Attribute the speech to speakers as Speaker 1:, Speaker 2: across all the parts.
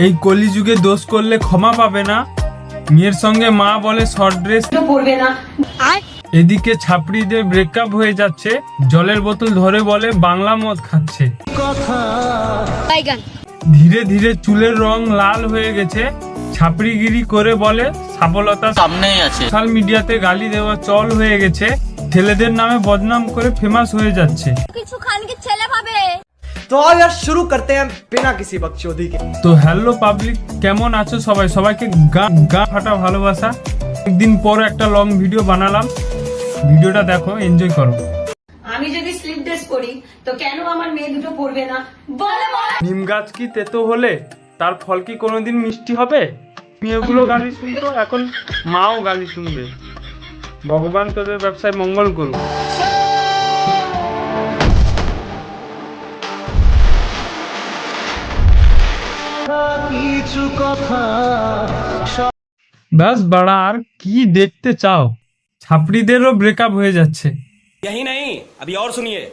Speaker 1: এই কলিযুগে দোষ করলে ক্ষমা পাবে না। মেয়ের সঙ্গে মা বলে শর্ট ড্রেস পরবে না। এদিকে ছাপড়িদের ব্রেকআপ হয়ে যাচ্ছে, জলের বোতল ধরে বলে বাংলা মদ খাচ্ছে। ধীরে ধীরে চুলের রং লাল হয়ে গেছে, ছাপড়িগিরি করে বলে সফলতা সামনেই আছে। সোশ্যাল মিডিয়াতে গালি দেওয়া চল হয়ে গেছে, ছেলেদের নামে বদনাম করে ফেমাস হয়ে যাচ্ছে।
Speaker 2: কিছু খান কি ছেলে পাবে।
Speaker 3: तो आओ यार शुरू करते हैं बिना किसी बकचोदी के।
Speaker 1: তো হ্যালো পাবলিক, কেমন আছো সবাই? সবাইকে গা ফাটা ভালোবাসা। একদিন পর একটা লং ভিডিও বানালাম, ভিডিওটা দেখো, এনজয় করো।
Speaker 4: আমি যদি স্লিপ ড্রেস পরি তো কেন আমার মেয়ে দুটো পরবে না? বলে বলে
Speaker 1: নিম গাছ কি তেতো হলে তার ফল কি কোনোদিন মিষ্টি হবে? মেয়েগুলো গালি শুনতো, এখন মাও গালি শুনবে। ভগবান তোদের ব্যবসায় মঙ্গল করুক। ব্যাস বাড়া, আর কি দেখতে চাও? ছাপড়িদেরও ব্রেকআপ হয়ে যাচ্ছে।
Speaker 5: यही नहीं, अभी और सुनिए।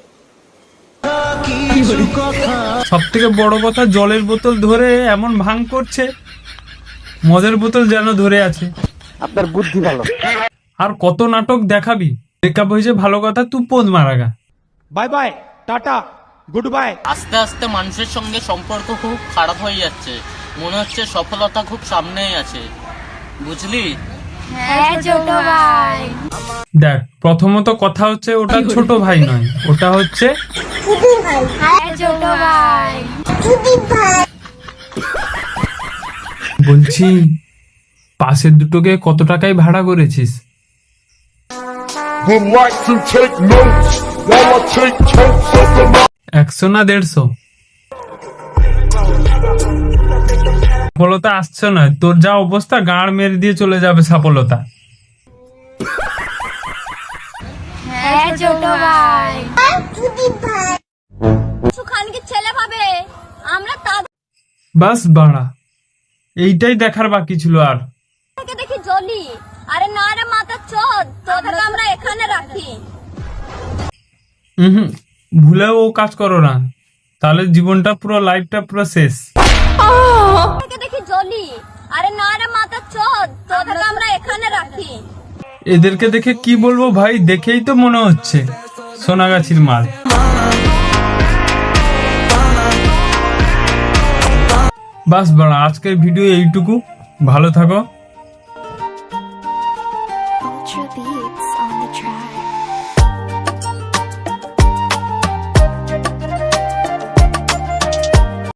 Speaker 1: সব থেকে বড় কথা, জলের বোতল ধরে এমন ভাঙ করছে, মদের বোতল যেন ধরে আছে।
Speaker 3: আপনার বুদ্ধি ভালো।
Speaker 1: আর কত নাটক দেখাবি? ব্রেকআপ হয়েছে ভালো কথা, তুই পোদ মারাগা।
Speaker 3: Bye bye tata goodbye.
Speaker 6: আস্তে আস্তে মানুষের সঙ্গে সম্পর্ক খুব খারাপ হয়ে যাচ্ছে, মনে হচ্ছে সফলতা খুব সামনেই আছে, বুঝলি?
Speaker 2: হ্যাঁ ছোট ভাই।
Speaker 1: দেখ, প্রথমত কথা হচ্ছে ওটা ছোট ভাই নয়, ওটা হচ্ছে
Speaker 2: হ্যাঁ ছোট ভাই।
Speaker 1: বলছি পাশের দুটোকে কত টাকায় ভাড়া করেছিস?
Speaker 7: Would like to take notes while I take totes of the
Speaker 1: 100 না 150? সফলতা আসছে না, তোর যা অবস্থা গাঁড় মেরে দিয়ে চলে যাবে সফলতা।
Speaker 2: হ্যাঁ ছোট ভাই। কিছু খান কি ছেলে পাবে। আমরা
Speaker 1: বাস বাড়া, এইটাই দেখার বাকি ছিল। আর
Speaker 2: তাদেরকে দেখি জ্বলি। আরে না রে মাথা চোদ, তোদেরকে আমরা এখানে রাখি।
Speaker 1: ভুলেও ও কাজ করো না, তাহলে জীবনটা পুরো, লাইফটা পুরো শেষ।
Speaker 2: তাদেরকে দেখি জ্বলি। আরে না রে মাথা চোদ, তোদেরকে আমরা এখানে রাখি।
Speaker 1: এদেরকে দেখে কি বলবো ভাই, দেখেই তো মনে হচ্ছে সোনাগাছির মাল। বাস বাড়া, আজকের ভিডিও এইটুকু। ভালো থাকো।